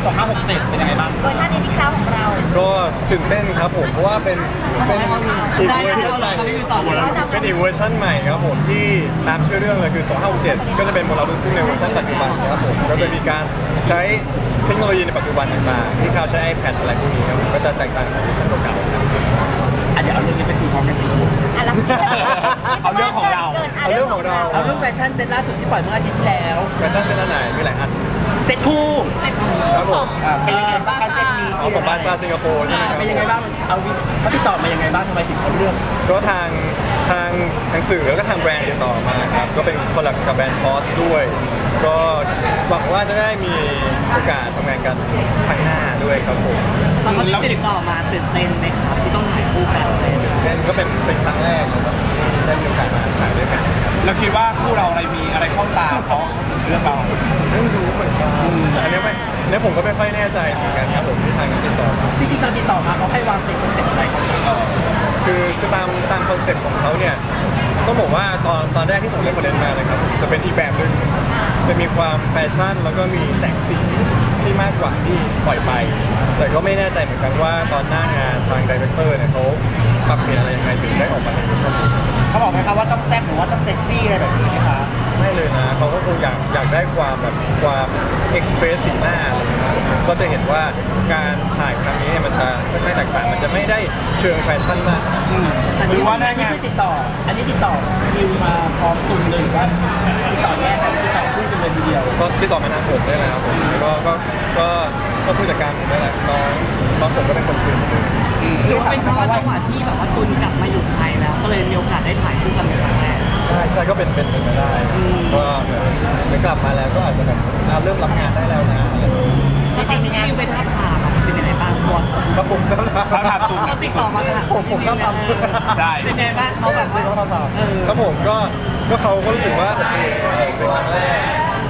2567เป็นยังไงบ้างเวอร์ชันนี้พี่คราวของเราก็ตื่นเต้นครับผมเพราะว่าเป็นอีกเวอร์ชันใหม่เป็นอีกเวอร์ชันใหม่ครับผมที่ตามชื่อเรื่องเลยคือ2567ก็จะเป็นมลลูกทุ่งในเวอร์ชันปัจจุบันครับผมก็จะมีการใช้เทคโนโลยีในปัจจุบันต่างๆที่เขาใช้ iPad อะไรพวกนี้ครับก็จะแตกต่างจากเวอร์ชันเก่าๆครับเดี๋ยวเอาเรื่องนี้ไปคุยพร้อมกันสิเอาเรื่องของเราเอาเรื่องของเราเอาเรื่องแฟชั่นเซตล่าสุดที่ปล่อยเมื่ออาทิตย์ที่แล้วแฟชั่นเซตอันไหนมีหลายอันเซตคู่ครับผมเป็นยังไงบ้างเซตนี้เอาของบาซ่าสิงคโปร์ใช่ไหมครับเป็นยังไงบ้างเอาเขาติดต่อมายังไงบ้างทำไมถึงเขาเลือกก็ทางหนังสือแล้วก็ทางแบรนด์ติดต่อมาครับก็เป็นคอลแลบกับแบรนด์พอสด้วยก็หวังว่าจะได้มีโอกาสทำงานกันข้างหน้าด้วยครับผมตอนเขาติดต่อมาตื่นเต้นไหมครับที่ต้องถ่ายคู่กันเลยก็เป็นครั้งแรกนะครับได้มีโอกาสมาถ่ายด้วยกันเราคิดว่าคู่เราอะไรมีอะไรเข้าตาเขาเรื่องเราไม่รู้เหมือนกันอันนี้ผมก็ไม่ค่อยแน่ใจเหมือนกันครับผมที่ทางนั้นติดต่อมาจริงๆตอนติดต่อมาเขาให้วางเป็นคอนเซ็ปต์อะไรคือตามคอนเซ็ปต์ของเขาเนี่ยต้องบอกว่าตอนแรกที่ผมเล่นประเด็นมาเลยครับจะเป็นอีกแบบหนึ่งจะมีความแฟชั่นแล้วก็มีแสงสีที่มากกว่าที่ปล่อยไปแต่ก็ไม่แน่ใจเหมือนกันว่าตอนหน้างานทางดีเรคเตอร์เนี่ยเขาปรับเปลี่ยนอะไรยังไงถึงได้ออกมาในเวอร์ชันนี้เขาบอกไหมครับว่าต้องแซ่บหรือว่าต้องเซ็กซี่อะไรแบบนี้นะคะไม่เลยนะเขาก็คงอยากได้ความแบบความเอ็กซ์เพรสสีหน้าอะไรอย่างเงี้ยก็จะเห็นว่าการถ่ายครั้งนี้มันจะค่อนข้างแตกต่างมันจะไม่ได้เชิงแฟชั่นมากหรือว่าได้งานติดต่ออันนี้ติดต่อคิวมาพร้อมตุนเลยหรือว่าติดต่อแยกกันติดต่อคู่กันเลยทีเดียวก็ติดต่อมาทางผมได้เลยครับผมก็ผู้จัดการผมได้แหละน้องผมก็เป็นคนคุยหรือว่าเป็นเพราะจังหวะที่แบบว่าตุนกลับมาอยู่ไทยแล้วก็เลยมีโอกาสได้ถ่ายคู่กันเป็นครั้งแรกใช่ก็เป็นไปได้ก็เหมือนกลับมาแล้วก็อาจจะแบบเริ่มรับงานได้แล้วนะจริงๆคิวไปท้าทามเป็นยังไงบ้างตัวครับผมท้าทามเขาติดต่อมาผมก็ทำได้เป็นยังไงบ้างเขาแบบครับผมก็เขาก็รู้สึกว่าโอเคเป็นครั้งแรก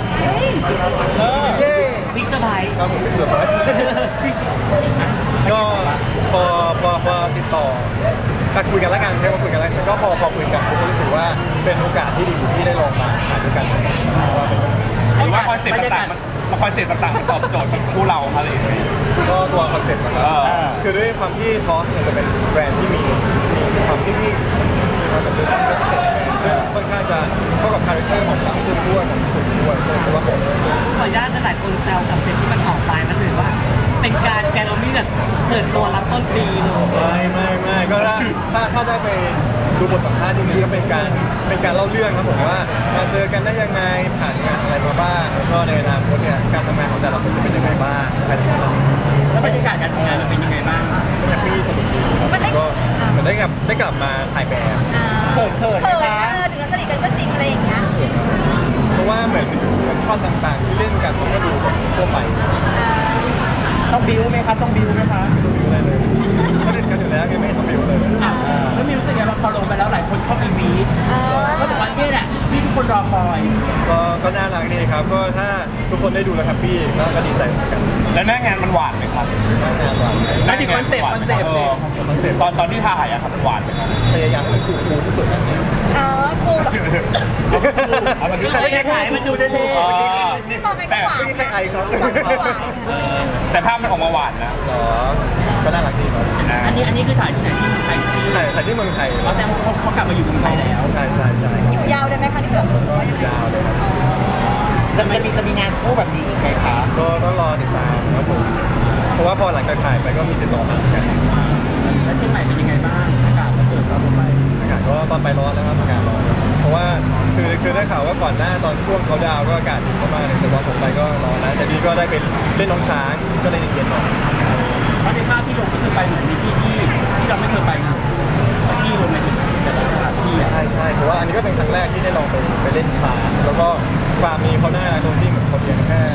บิ๊กเซอร์ไพรส์ครับผมบิ๊กเซอร์ไพรส์ก็พอติดต่อคุยกันแล้วกันใช่ไหมคุยกันแล้วก็พอคุยกันผมก็รู้สึกว่าเป็นโอกาสที่ดีที่ได้ลองมาถ่ายด้วยกันหรือว่าคอนเซ็ปต์ต่างๆมันตอบโจทย์สำหรับคู่เราอะไรอย่างเงี้ยก็ตัวคอนเซ็ปต์นะครับคือด้วยความที่ทอสจะเป็นแบรนด์ที่มีความนิ่งๆมีความแบบเป็นเรสเตจซึ่งค่อนข้างจะเข้ากับคาแรคเตอร์ของคุณด้วยของคุณด้วยเพราะว่าผมขออนุญาตหลายคนแซวกับเซ็ตที่มันออกไปมันถือว่าเป็นการแกลมี่แบบเปิดตัวรับต้นปีเลยไม่ก็ถ้าได้ไปดูบทสัมภาษณ์ที่นี่ก็เป็นการเล่าเรื่องครับผมว่ามาเจอกันได้ยังไงผ่านงานอะไรมาบ้างแล้วก็ในอนาคตเนี่ยการทำงานของแต่ละคนจะเป็นยังไงบ้างอะไรอย่างเงี้ยแล้วบรรยากาศการทำงานมันเป็นยังไงบ้างแฮปปี้สนุกดีก็เหมือนได้กลับมาถ่ายแบบเขินนะคะถึงเราสนิทกันก็จริงอะไรอย่างเงี้ยเพราะว่าเหมือนช็อตต่างๆที่เล่นกันมันก็ดูแบบทั่วไปต้องบิวไหมครับต้องบิวไหมคะต้องบิวอะไรเลยก็เล่นกันอยู่แล้วไงไม่ต้องบิวเลยแล้วมีรู้สึกยังไงพอลงไปแล้วหลายคนเข้าไปวีดก็บอกว่าเนี่ยแหละที่ทุกคนรอคอยก็น่ารักดีครับก็ถ้าทุกคนได้ดูแล้วแฮปปี้ก็ดีใจเหมือนกันแล้วหน้างานมันหวานไหมครับหน้างานหวานหน้าที่คอนเซ็ปต์ตอนที่ถ่ายอะครับหวานไหมครับพยายามให้มันคูลที่สุดนะเนี่ยคูลมันดูเท่ๆมันดูเท่ๆแต่ไม่ใช่ไอครับแต่ภาพมันออกมาหวานนะก็น่ารักดีครับอันนี้คือถ่ายที่ไหนที่ไทยถ่ายที่เมืองไทยแสดงว่าเขากลับมาอยู่เมืองไทยแล้วใช่อยู่ยาวได้ไหมคะที่แบบอยู่ยาวเลยครับจะมีงานคู่แบบนี้อีกไหมคะก็ต้องรอติดตามครับผมเพราะว่าพอหลังจากถ่ายไปก็มีติดต่อมาเหมือนกันแล้วเชียงใหม่เป็นยังไงบ้างอากาศมันเกิดตอนไปอากาศก็ตอนไปร้อนแล้วครับอากาศร้อนเพราะว่าคือได้ข่าวว่าก่อนหน้าตอนช่วงเขาดาวก็อากาศดีมากเลยแต่ว่าผมไปก็ร้อนนะแต่นี่ก็ได้เป็นเล่นน้องช้างก็เลยเย็นๆหน่อยเพราะในภาพที่ลงก็คือไปเหมือนมีที่เราไม่เคยไปสักที่ลงไปถึงแต่ละสถานที่ใช่เพราะว่าอันนี้ก็เป็นครั้งแรกที่ได้ลองไปเล่นช้างแล้วก็ฟาร์มมีเขาหน้าตรงที่เหมือนเขาเลี้ยงแค่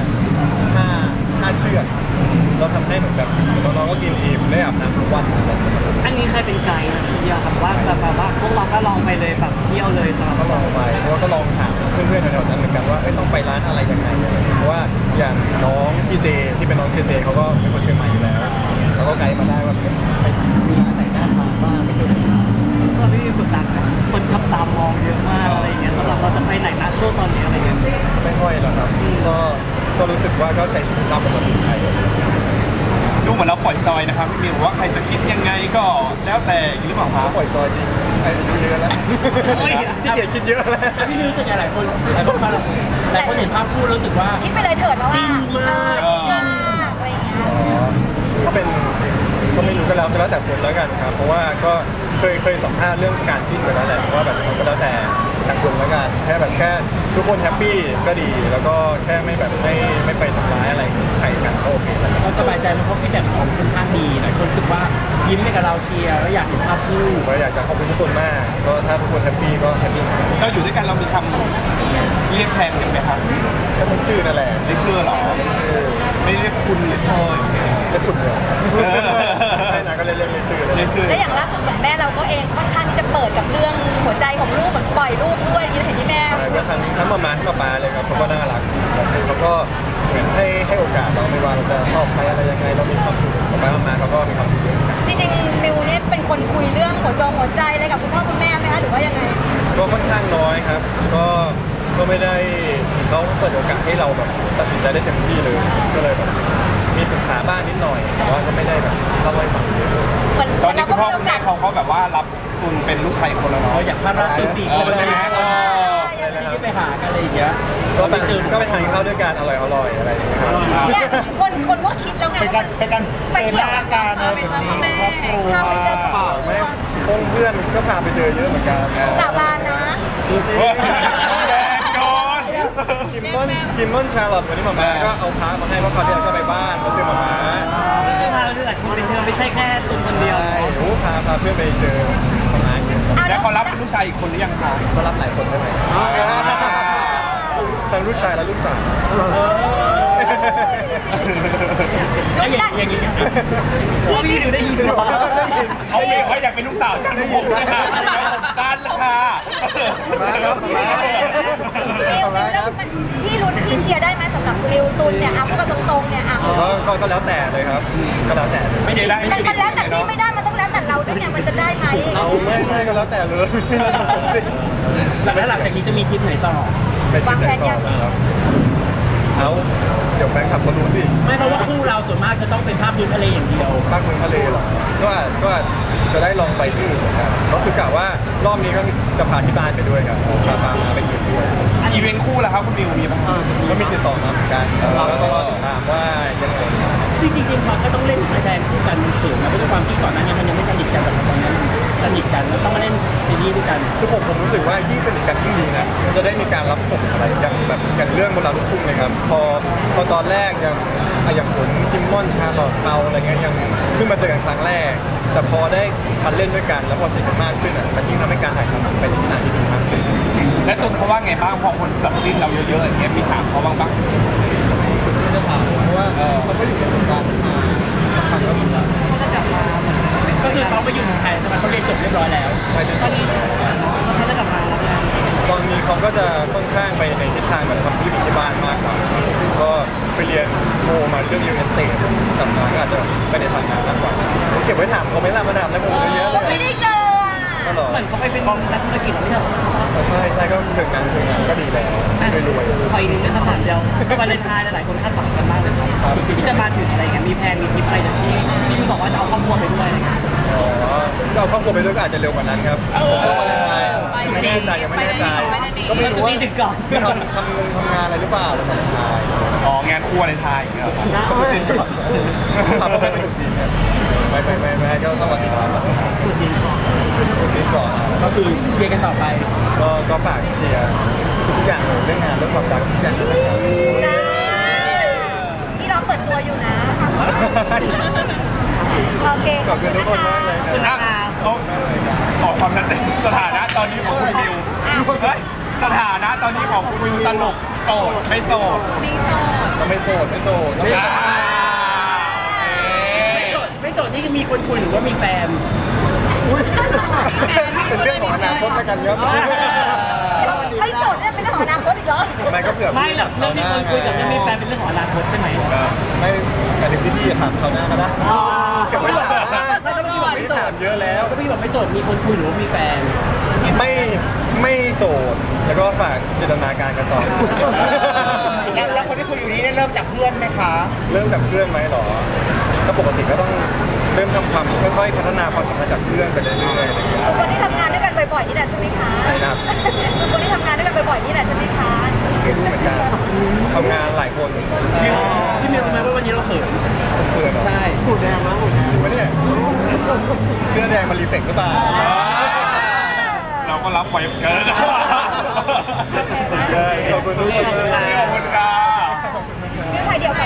5เชือกเราทำให้เหมือนแบบน้องๆก็กินอิ่มได้อาบน้ำทุกวันอันนี้เคยเป็นไกด์นะเดียวครับว่าแบบว่าพวกเราก็ลองไปเลยแบบเที่ยวเลยสำหรับก็ลองไปเพราะว่าก็ลองถามเพื่อนๆแถวๆนั้นเหมือนกันว่าต้องไปร้านอะไรยังไงเพราะว่าอย่างน้องพี่เจที่เป็นน้องเจเขาก็เป็นคนเชียงใหม่อยู่แล้วเขาก็ไกด์มาได้ว่าไปมีร้านไหนน่าทานบ้างไม่เคยก็ไม่มีคนตามคนขับตามมองเยอะมากอะไรอย่างเงี้ยสำหรับเราจะไปไหนนะช่วงตอนนี้อะไรเงี้ยไม่ค่อยหรอกครับก็รู้สึกว่าก็ใช้ชีวิตตามปกติไทยปล่อยจอยนะครับพี่มิวว่าใครจะคิดยังไงก็แล้วแต่หรือเปล่าครัเขาบปล่อยจอยจริงไอ้ดูเยอะแล้วพี่เกียรคิดเยอะแล้วพี่รู้สึกไงหลายคนหลายคนฟังหลายคนเห็นภาพคู่รู้สึกว่าคิดไปเลยเถิดแล้วว่าจริงมากจริงมากอะไรอย่างเงี้ยอ๋อก็เป็นก็ไม่รู้ก็แล้วแต่คนแล้วกันครับ เพราะว่าก็เคยสัมภาษณ์เรื่องการจิ้นไปแล้วแหละว่าแบบมันก็แล้วแต่ทางคนแล้วกันแค่ทุกคนแฮปปี้ก็ดี แล้วก็แค่ไม่แบบไม่ไปทำร้ายอะไรใครกันก็โอเคแล้วเราสบายใจมันเพราะฟีดแบ็กของค่อนข้างดีหลายคนรู้สึกว่ายิ้มให้กับเราเชียร์แล้วอยากเห็นภาพคู่ผมก็อยากจะขอบคุณทุกคนมาก ก็ถ้าทุกคนแฮปปี้ก็แฮปปี้เราอยู่ด้วยกันเรามีคำเรียกแทนกันไหมครับก็เป็นชื่อนั่นแหละเรียกชื่อเหรอไม่เรียกคุณหรือเธออย่างเงี้ยเล่นปุ่นเลยไม่นะก็เล่นชื่อเลยเรียกชื่อแล้วอย่างล่าสุดเหมือนแม่เราก็เองค่อนข้างที่จะเปิดกับเรื่องหัวใจของลูกเหมือนปล่อยลูกด้วยเห็นที่แม่ใช่ก็ทั้งมาทั้งป๊าเลยครับเขาก็น่ารักเขาก็เหมือนให้โอกาสเราไม่ว่าเราจะชอบใครอะไรยังไงเรามีความสุขป๊ามาเขาก็มีความสุขด้วยกันจริงๆมิวเนี่ยเป็นคนคุยเรื่องหัวใจอะไรกับคุณพ่อคุณแม่ไหมคะหรือว่ายังไงก็ค่อนข้างน้อยครับ ก็ไม่ได้เขาเปิดโอกาสให้เราแบบตัดสินใจได้เต็มที่เลยก็เลยแบบมีปรึกษาบ้างนิดหน่อยแต่ว่าก็ไม่ได้แบบเล่าให้ฟังเยอะเหมือนตอนนี้คุณพ่อเราคุณก็แม่เขาก็แบบว่ารับคุณเป็นลูกชายคนแล้วเนาะเราอยากภาพล่าสุด4 คนใช่ไหมที่ไปหากันอะไรอย่างเงี้ยก็ไปทานข้าวด้วยกันอร่อยอะไรอย่างเงี้ยครับเนี่ยคนก็คิดแล้วไงว่าไปเที่ยวกันไปเจอพ่อแม่พาไปเจอพ่อไม่พงเพื่อนก็พาไปเจอเยอะเหมือนกันสาบานนะจริงแดนโดนกิมมอนชาลอตวันนี้หมาม่าก็เอาพามาให้เพราะคราวที่แล้วก็ไปบ้านมาเจอหมาม่าไม่มาด้วยหลายคนไปเจอไม่ใช่แค่ตุนคนเดียวใช่โอ้พาเพื่อนไปเจอหมาม่าเยอะแล้วเขารับเป็นลูกชายอีกคนหรือยังคะก็รับหลายคนได้ไหมทั้งลูกชายและลูกสาวแล้วอย่างนี้พี่ดูได้ยินหรอเอาเองว่าอยากเป็นลูกสาวจังผมเลยค่ะด้านละค่ะมาครับมาพี่ลุ้นพี่เชียร์ได้ไหมสำหรับมิวตุนเนี่ยพูดกันตรงๆเนี่ยก็แล้วแต่เลยครับ ก็แล้วแต่ไม่ใช่ได้มันแล้วแต่พี่ไม่ได้มันต้องแล้วแต่เราด้วยไงมันจะได้ไหมเอาไม่ก็แล้วแต่เลยแล้วหลังจากนี้จะมีทริปไหนต่อไปที่ไหนต่อครับเอาเดี๋ยวแฟนคลับเขารู้สิไม่เพราะว่าคู่เราส่วนมากจะต้องเป็นภาพพื้นทะเลอย่างเดียวภาคเมืองทะเลเหรอก็จะได้ลองไปที่อื่นเหมือนกันก็คือกะว่ารอบนี้ก็จะพาที่บ้านไปด้วยครับพาไปอื่นด้วยอีเวนต์คู่แล้วครับคุณมิวมีป่ะก็มีติดต่อมาเหมือนกันแล้วก็รอติดตามว่ายังไงจริงๆพอถ้าต้องเล่นแสดงคู่กันมันเขินนะเพราะด้วยความที่ก่อนหน้านี้มันยังไม่สนิทกันแต่ตอนนี้สนิทกันแล้วต้องมาเล่นซีรีส์ด้วยกันคือผมรู้สึกว่ายิ่งสนิทกันยิ่งดีนะมันจะได้มีการรับส่งอะไรอย่างเรื่องบนเราลูกทุ่งนะครับพอตอนแรกอย่างผลคิมมอนชาลอตเปาอะไรเงี้ยยังเพิ่งมาเจอกันครั้งแรก แต่พอได้มาเล่นด้วยกันแล้วพอสนิทกันมากขึ้นอ่ะมันยิ่งทำให้การถ่ายทำไปในทิศทางที่ดีมากขึ้นและตุนเขาว่าไงบ้างพอคนจับจิ้นเราเยอะๆอย่างเงี้ยมีถามเขาบ้างปะไม่ได้ถามเพราะว่าเขาก็อยู่ในวงการมาสักพักก็มีแล้วก็คือเขามาอยู่เมืองไทยใช่ไหมเขาเรียนจบเรียบร้อยแล้วไปจนจบแล้วเขาจะได้กลับมาแล้วเนี่ยตอนนี้เขาก็จะค่อนข้างไปในทิศทางแบบทำธุรกิจที่บ้านมากกว่าก็ไปเรียนโมมาเรื่องยูเนสเตทกลับมาก็อาจจะไปในทางงานมากกว่าเก็บไว้ถามเขาไหม่ล่ะมาถามแล้วผมเยอะเลไม่ยได้เจอก็หรอเหมือนเขาไปเป็นนักธุรกิจไม่ใช่หรอใช่ก็เชิงงานก็ดีแล้วไม่รวยคอยนึงในคำถามเดียววาเลนไทน์หลายคนคาดหวังกันมากเลยครับที่จะมาถึงอะไรเงี้ยมีแพลนมีทริปอะไรแบบที่พี่บอกว่าจะเอาครอบครัวไปด้วยอะไรเงี้ยอ๋อก็เอาครอบครัวไปด้วยก็อาจจะเร็วกว่านั้นครับช่วงวาเลนไทน์ไม่แน่ใจยังไม่แน่ใจก็ไม่รู้ว่าถึงก่อนทำงานอะไรหรือเปล่าหรือวาเลนไทน์อ๋องานคู่ในไทยอย่างเงี้ยก็จริงก่อนทำก็ไม่เป็นจริงครับไม่ก็ต้องวันที่ก่อนวันที่ก่อนก็คือเชียร์กันต่อไปก็ฝากเชียร์ทุกอย่างเลยเรื่องงานเรื่องความรักทุกอย่างเลยนะครับพี่รอเปิดตัวอยู่นะโอเคขอบคุณทุกคนมากเลยครับขอความชัดเจนสถานะตอนนี้ของคุณมิวเฮ้ยสถานะตอนนี้ของคุณมิวสรุปโสดไม่โสดก็ไม่โสดก็ไม่ไม่โสดนี่มีคนคุยหรือว่ามีแฟนเป็นเรื่องของอนาคตแล้วกันครับไม่โสดเนี่ยเป็นเรื่องของอนาคตอีกเหรอไม่ก็เผื่อไม่หรอกเรื่องที่คนคุยกับเรื่องมีแฟนเป็นเรื่องของอนาคตใช่ไหมไม่แต่ถึงพี่ถามเขาหน้าก็ได้เก็บไว้ถามไม่ต้องพี่บอกไม่ไม่โสถาดมเยอะแล้วก็พี่บอกไม่โสดมีคนคุยหรือว่ามีแฟนไม่โสดแล้วก็ฝากจินตนาการกันต่อแล้วคนที่คุยอยู่นี้เริ่มจากเพื่อนไหมคะเริ่มจากเพื่อนไหมหรอก็ปกติก็ต้องเริ่มทำความค่อยๆพัฒนาความสัมพันธ์จากเพื่อนไปเรื่อยๆอะไรอย่างเงี้ยคนที่ทำงานด้วยกันบ่อยๆนี่แหละใช่ไหมคะใช่ครับคนที่ทำงานด้วยกันบ่อยๆนี่แหละใช่ไหมคะไม่รู้เหมือนกันทำงานหลายคนพี่มิวรู้ไหมว่าวันนี้เราเขินเพื่อนใช่หูแดงมั้งหูแดงจริงปะเนี่ยเสื้อแดงมันรีเฟกหรือเปล่าเราก็รับไว้เหมือนกันนะขอบคุณทุกคนขอบคุณค่ะเรื่องไทยเดียวกัน